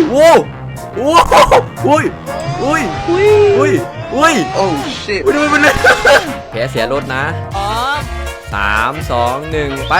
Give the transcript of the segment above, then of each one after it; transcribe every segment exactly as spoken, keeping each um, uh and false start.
โว้โอ้อุ้ยอุ้ยอุ้ยอุ้ยอุ้ยโอ้ชิตดูมันเลยแพ้เสียรถนะอ๋อสามสองหนึ่งไป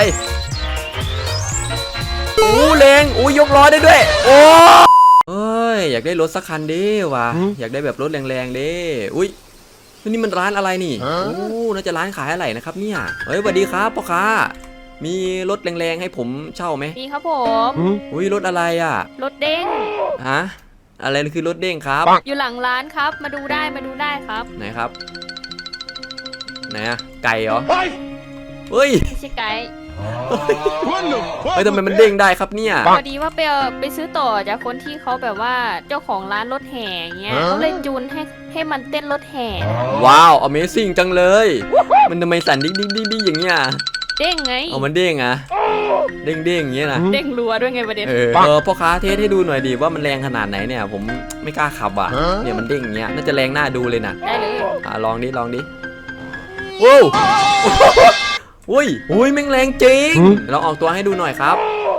โอ้แรงโอ้ยกล้อได้ด้วยโอ้เอ้ยอยากได้รถสักคันดิว่ะอยากได้แบบรถแรงๆดิอุ้ยนี่มันร้านอะไรนี่โอ้น่าจะร้านขายอะไรนะครับเนี่ยเฮ้ยสวัสดีครับพ่อค้ามีรถแรงๆให้ผมเช่าไหมมีครับผมอุ้ยรถอะไรอ่ะรถเด้งฮะอะไรคือรถเด้งครับอยู่หลังร้านครับมาดูได้มาดูได้ครับไหนครับไหนอะไก่เหรอเฮ้ยไม่ใช่ไก่เฮ้ยทำไมมันเด้งได้ครับเนี่ยพอดีว่าไปไปซื้อต่อจากคนที่เขาแบบว่าเจ้าของร้านรถแห่เงี้ยเขาเลยจูนให้ให้มันเต้นรถแห่ว้าว Amazing จังเลยมันทำไมสั่นดิ้งดิ้งดิ้งดิ้งอย่างเงี้ยเด้งไงเอามันเด้งอะเด้งเด้งอย่างเงี้ยนะเด้งรัวด้วยไงประเด็นเออเออพ่อค้าเทสให้ดูหน่อยดิว่ามันแรงขนาดไหนเนี่ยผมไม่กล้าขับอ่ะเนี่ยมันเด้งอย่างเงี้ยน่าจะแรงน่าดูเลยนะได้เลยอ่ะลองดิลองดิโว้วอุ้ยอุ้ยแม่งแรงจริงลองออกตัวให้ดูหน่อยครับ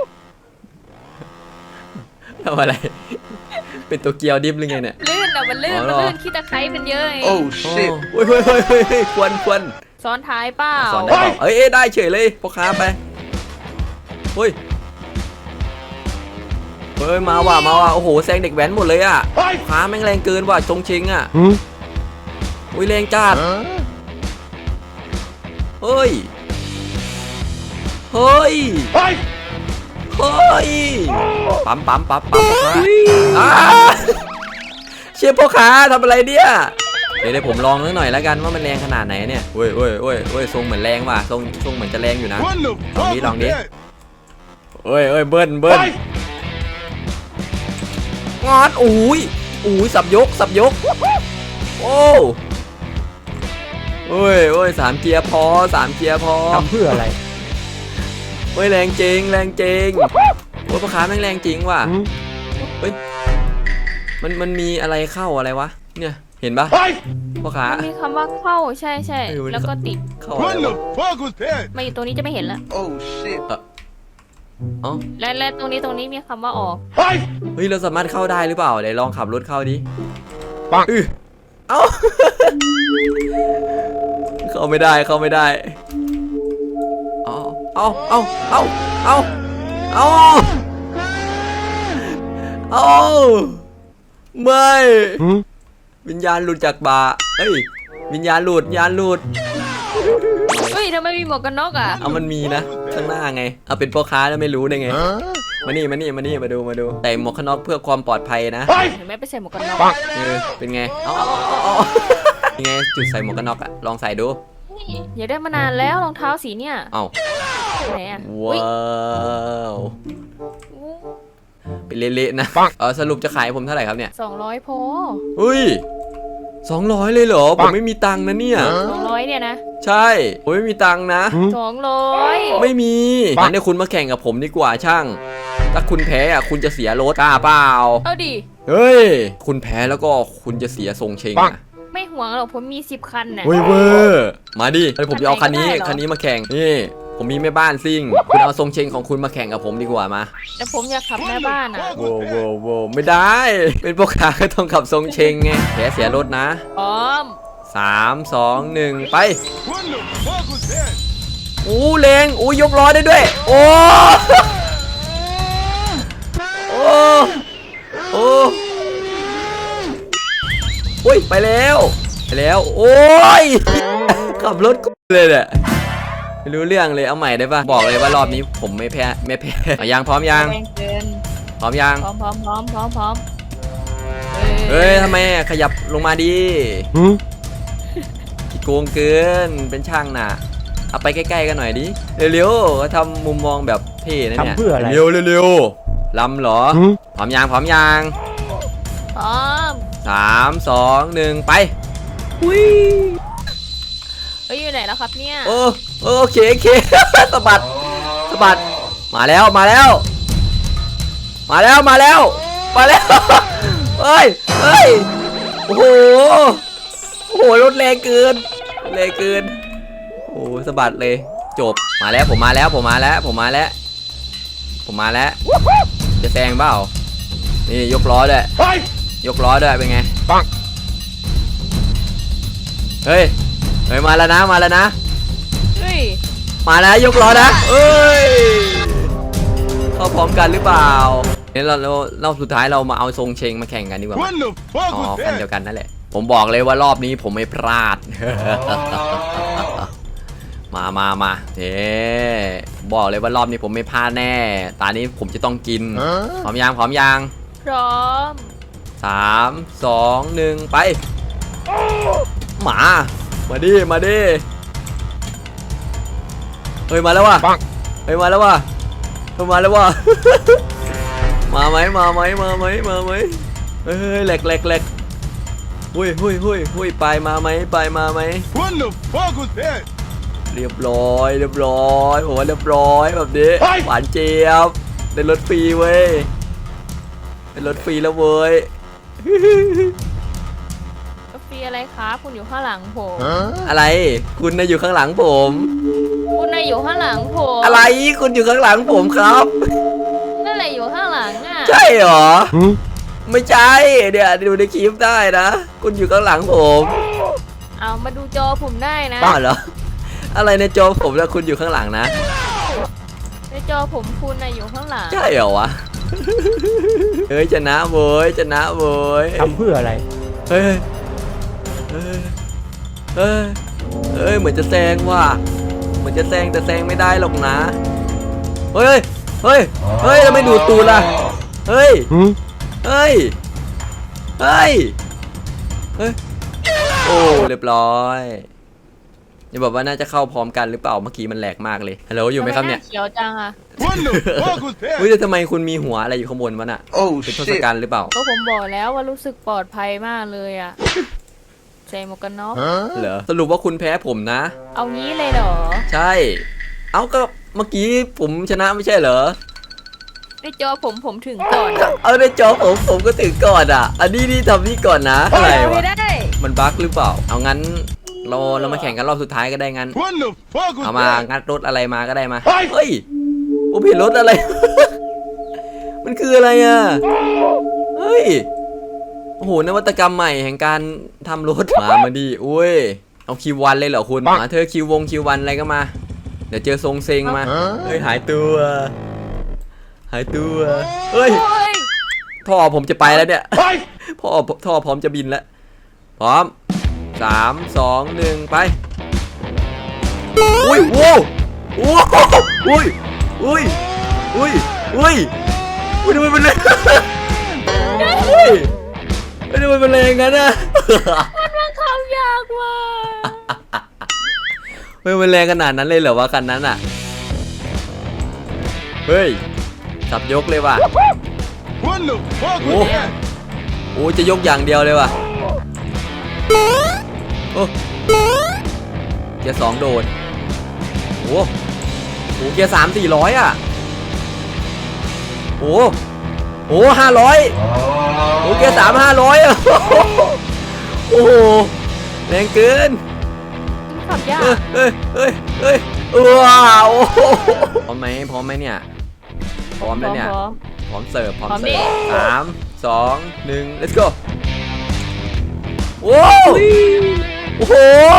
ทำอะไรเป็นตัวเกียวดิฟหรือไงเนี่ยลื่นอ่ะมันลื่นมันลื่นขี้ตะไคร้เป็นเยอะไงโอ้ชิตเฮ้ยเฮ้ยเฮ้ยเฮ้ยควรควรซ้อนท้ายเปล่าซ้อนได้เปล่าเอ้ยได้เฉยเลยพ่อค้าไปเฮ้ยเฮ้ยมาว่ะมาว่ะโอ้โหแซงเด็กแว้นหมดเลยอ่ะค้าแม่งแรงเกินว่ะชงชิงอ่ะอุ้ยแรงจัดเฮ้ยเฮ้ยเฮ้ยปั๊มปั๊มปั๊มปั๊มพ่อค้าเชี่ยพ่อค้าทำอะไรเนี่ยเดี๋ยวผมลองนิดหน่อยแล้วกันว่ามันแรงขนาดไหนเนี่ยเว้ยเว้ยเว้ยเว้ยทรงเหมือนแรงว่ะทรงทรงเหมือนจะแรงอยู่นะลองดิลองดิเอ้ยเอ้ยเบิ้ลเบิ้ลงอดอุ้ยอุ้ยสับยกสับยกโอ้เอ้ยเอ้ยสามเกียร์พอสามเกียร์พอทำเพื่ออะไรเฮ้ยแรงจริงแรงจริงโอ้ยพ่อค้าแม่งแรงจริงว่ะเฮ้ยมันมันมีอะไรเข้าอะไรวะเนี่ยเห็นปะพ่อค้ามีคำว่าเข้าใช่ใช่แล้วก็ติดเข้าอะไรวะมาอยู่ตรงนี้จะไม่เห็นแล้วโอ้ชิตอ๋อและและตรงนี้ตรงนี้มีคำว่าออกเฮ้ยเราสามารถเข้าได้หรือเปล่าเดี๋ยวลองขับรถเข้าดิปังอือเอ้าเข้าไม่ได้เข้าไม่ได้เอาเอาเอาเอาเอาเอาเอาไม่วิญญาณหลุดจากบ่าเฮ้ยวิญญาณหลุดวิญญาณหลุดเฮ้ยทำไมมีหมวกกันน็อกอ่ะเอามันมีนะข้างหน้าไงเอาเป็นพ่อค้าแล้วไม่รู้ได้ไงมานี่มานี่มานี่มาดูมาดูใส่หมวกกันน็อกเพื่อความปลอดภัยนะเห็นไหมไปใส่หมวกกันน็อกเออเป็นไงเอายังไงจุดใส่หมวกกันน็อกอะลองใส่ดูอย่าได้มานานแล้วรองเท้าสีเนี่ยเอ้าไหนอะว้าวเป็นเละๆนะเออสรุปจะขายผมเท่าไหร่ครับเนี่ยสองร้อยพอเฮ้ยสองร้อยเลยเหรอผมไม่มีตังค์นะเนี่ยสองร้อยเนี่ยนะใช่ผมไม่มีตังค์นะสองร้อยไม่มีงั้นเดี๋ยวคุณมาแข่งกับผมดีกว่าช่างถ้าคุณแพ้อะคุณจะเสียรถกล้าเปล่าเอาดิเฮ้ยคุณแพ้แล้วก็คุณจะเสียทรงเชงอะไม่ห่วงหรอกผมมีสิบคันน่ะเว้ยเว้ยมาดิเฮ้ยผมจะเอาคันนี้คันนี้มาแข่งนี่ผมมีแม่บ้านซิ่งคุณเอาทรงเชงของคุณมาแข่งกับผมดีกว่ามาแต่ผมอยากขับแม่บ้านอ่ะโว้โว้โว้ไม่ได้เป็นพวกขาก็ต้องขับทรงเชงไงแพ้เสียรถนะพร้อมสามสองหนึ่งไปอู้แรงอู้ยกล้อได้ด้วยโอ้โอ้โอ้โอ้ยไปแล้วไปแล้วโอ้ยขับรถเลยเนี่ยไม่รู้เรื่องเลยเอาใหม่ได้ปะบอกเลยว่ารอบนี้ผมไม่แพ้ไม่แพ้ยังพร้อมยังพร้อมยังพร้อมพร้อมพร้อมพร้อมพร้อมเฮ้ยทำไมขยับลงมาดิโกงเกินเป็นช่างน่ะเอาไปใกล้ๆกันหน่อยดิเร็วๆก็ทำมุมมองแบบเท่นะเนี่ยเร็วเร็วลำเหรอพร้อมยังพร้อมยังพร้อมสามสองหนึ่งไปอุ้ยเฮ้ยอยู่ไหนแล้วครับเนี่ยโอ้โอเคโอเคสะบัดสะบัดมาแล้วมาแล้วมาแล้วมาแล้วมาแล้วเฮ้ยเฮ้ยโอ้โหโอ้โหรถแรงเกินแรงเกินโอ้สะบัดเลยจบมาแล้วผมมาแล้วผมมาแล้วผมมาแล้วผมมาแล้วจะแซงเปล่าจะนี่ยกล้อด้วยยกล้อด้วยเป็นไงปังเฮ้ยเฮ้ยมาแล้วนะมาแล้วนะเฮ้ยมาแล้วยกล้อนะเอ้ยเข้าพร้อมกันหรือเปล่าเนี่ยเราเราเราสุดท้ายเรามาเอาทรงเชงมาแข่งกันดีกว่าอ๋อคันเดียวกันนั่นแหละผมบอกเลยว่ารอบนี้ผมไม่พลาด มามามาเฮ้บอกเลยว่ารอบนี้ผมไม่พลาดแน่ตอนนี้ผมจะต้องกินพร้อมยังพร้อมยังพร้อมสามสองหนึ่งไปหมามาดิมาดิเฮ้ยมาแล้วว่ะเฮ้ยมาแล้วว่ะเฮ้ยมาแล้วว่ะ มาไหมมาไหมมาไหมมาไหมเฮ้ยแหลกแหลกแหลกหุ้ยหุ้ยหุ้ยหุ้ยไปมาไหมไปมาไหม What the fuck was that? เรียบร้อยเรียบร้อยผมว่าเรียบร้อยแบบนี้หวานเจี๊ยบได้รถฟรีเว้ยได้รถฟรีแล้วเว้ยกาแฟอะไรครับคุณอยู่ข้างหลังผมอะไรคุณน่ะอยู่ข้างหลังผมคุณนายอยู่ข้างหลังผมอะไรคุณอยู่ข้างหลังผมครับนั่นแหละอยู่ข้างหลังอ่ะใช่เหรอไม่ใช่เดี๋ยวดูในคลิปได้นะคุณอยู่ข้างหลังผมเอามาดูจอผมได้นะบ้าเหรออะไรในจอผมแล้วคุณอยู่ข้างหลังนะในจอผมคุณนายอยู่ข้างหลังใช่เหรอวะเฮ้ยชนะเว้ยชนะเว้ยทำเพื่ออะไรเฮ้ยเฮ้ยเฮ้ยเฮ้ยเหมือนจะแซงว่ะเหมือนจะแซงแต่แซงไม่ได้หรอกนะเฮ้ยเฮ้ยเฮ้ยทำไมดูดตูดล่ะเฮ้ยเฮ้ยเฮ้ยเฮ้ยโอ้เรียบร้อยอย่าบอกว่าน่าจะเข้าพร้อมกันหรือเปล่าเมื่อกี้มันแหลกมากเลยฮัลโหลอยู่ไหมครับเนี่ยเขียวจังอ่ะ What the fuck was เฮ้ย that? แต่ทำไมคุณมีหัวอะไรอยู่ข้างบนวะน่ะ Oh เป็นทศกัณฐ์หรือเปล่าก็ผมบอกแล้วว่ารู้สึกปลอดภัยมากเลยอ่ะใส่หมวกกันน็อกเหรอสรุปว่าคุณแพ้ผมนะเอางี้เลยเหรอใช่ เอ้าก็เมื่อกี้ผมชนะไม่ใช่เหรอในจอผมผมถึงก่อนเอาในจอผมผมก็ถึงก่อนอ่ะ อันนี้นี่ทำนี่ก่อนนะอะไรเอาวะไม่ได้มันบั๊กหรือเปล่า เอางั้นเราเรามาแข่งกันรอบสุดท้ายก็ได้งั้น What the fuck was เอามา that? งัดรถอะไรมาก็ได้มา เฮ้ยผมเห็นรถอะไร มันคืออะไรอ่ะ เฮ้ย โอ้โหนวัตกรรมใหม่แห่งการทำรถมามาดีอุ้ย เอาคิววันเลยเหรอคุณมาเธอคิววงคิววันอะไรก็มา เดี๋ยวเจอทรงเซงมา เฮ้ยหายตัว หายตัว เฮ้ยโอ้ยท่อผมจะไปแล้วเนี่ย พ่อท่อพร้อมจะบินแล้ว พร้อมสามสองหนึ่งไป อุ้ยโว้โว้อุ้ยอุ้ยอุ้ยอุ้ยอุ้ยทำไมมันแรงอุ้ยทำไมมันแรงงั้นอะมันบังคับยากมากเฮ้ยมันแรงขนาดนั้นเลยเหรอวะคันนั้นอะเฮ้ยสับยกเลยว่ะ What the fuck Oh. was that? โอ้จะยกอย่างเดียวเลยว่ะโอ้เกียร์สองโดดโอ้โหเกียร์สามสี่ร้อยอ่ะโอ้โหห้าร้อยโอ้เกียร์สามห้าร้อยอ่ะโอ้โหแรงเกินขับยากเฮ้ยเฮ้ยเฮ้ยเฮ้ยว้าวพร้อมไหมพร้อมไหมเนี่ยพร้อมแล้วเนี่ยพร้อมพร้อมเสิร์ฟพร้อมพร้อมเสิร์ฟดิสามสองหนึ่ง let's go โอ้โอ้โห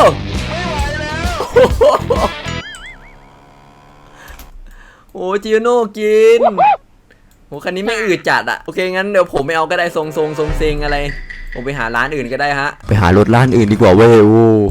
โอ้จิโน่กินโอ้คันนี้ไม่อืดจัดอะโอเคงั้นเดี๋ยวผมไม่เอาก็ได้ทรงทรงทรงเซงอะไรผมไปหาร้านอื่นก็ได้ฮะไปหารถร้านอื่นดีกว่าเว้ยโอ้